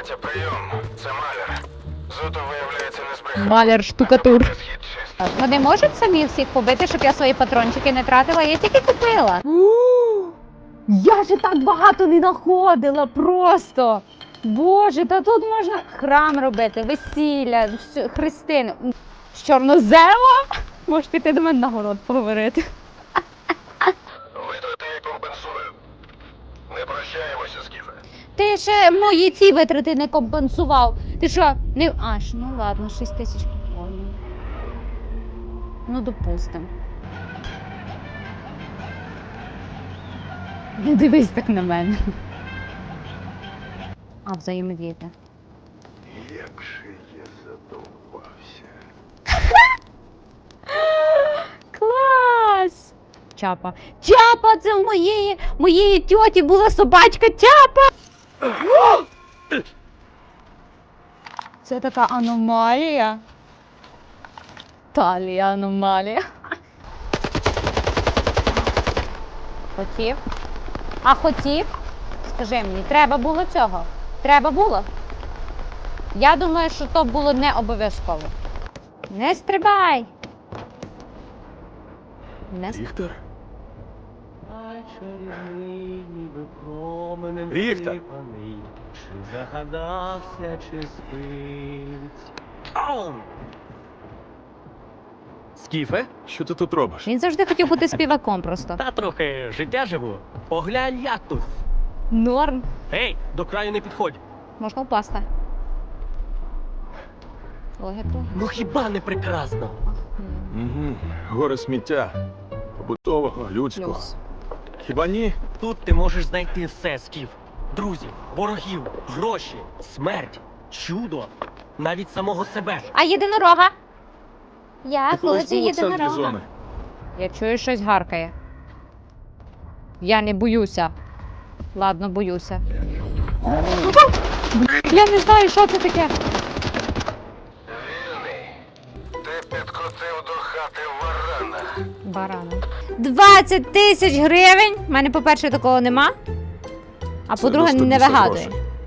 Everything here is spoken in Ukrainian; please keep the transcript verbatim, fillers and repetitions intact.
Катя, прийом. Це маляр. Зото, виявляється, не збрехав. Маляр штукатур. Схід чистий. Вони можуть самі всіх побити, щоб я свої патрончики не тратила? Я тільки купила. Я же так багато не знаходила просто. Боже, та тут можна храм робити, весілля, вс- хрестини. З чорноземом? Можеш піти до мене на город поговорити. Витрати я компенсую. Не прощаємося, Скіфе. Ти ще мої ці витрати не компенсував. Ти що, не... Аж, ну ладно, шість тисяч походу. Ну, допустим. Не дивись так на мене. А, взаємодіяти. Як же я задовбався. Клас! Чапа. Чапа! Це в моєї, моєї тьоті була собачка Чапа! Це така аномалія. Талія аномалія. Хотів? А хотів? Скажи мені, треба було цього? Треба було? Я думаю, що то було не обов'язково. Не стрибай! Не стрибай. Віктор? Віктор! Чи загадався, чи спить? Ау! Скіфе? Що ти тут робиш? Він завжди хотів бути співаком просто. Та трохи життя живу. Поглянь, як тут. Норм. Гей, до краю не підходь. Можна впасти. Логіку. Ну хіба не прекрасно? Угу. Горе сміття. Побутового, людського. Плюс. Хіба ні? Тут ти можеш знайти все, Скіф. Друзів, ворогів, гроші, смерть, чудо, навіть самого себе. А єдинорога? Я Ти колись хочу був у центрі єдинорога. зони. Я чую, щось гаркає. Я не боюся. Ладно, боюся. Я не знаю, що це таке. Вільний. Ти підкотив до хати варана. Барана. двадцять тисяч гривень! У мене, по-перше, такого нема. А Це по-друге, доступ не до вигадує. грошей.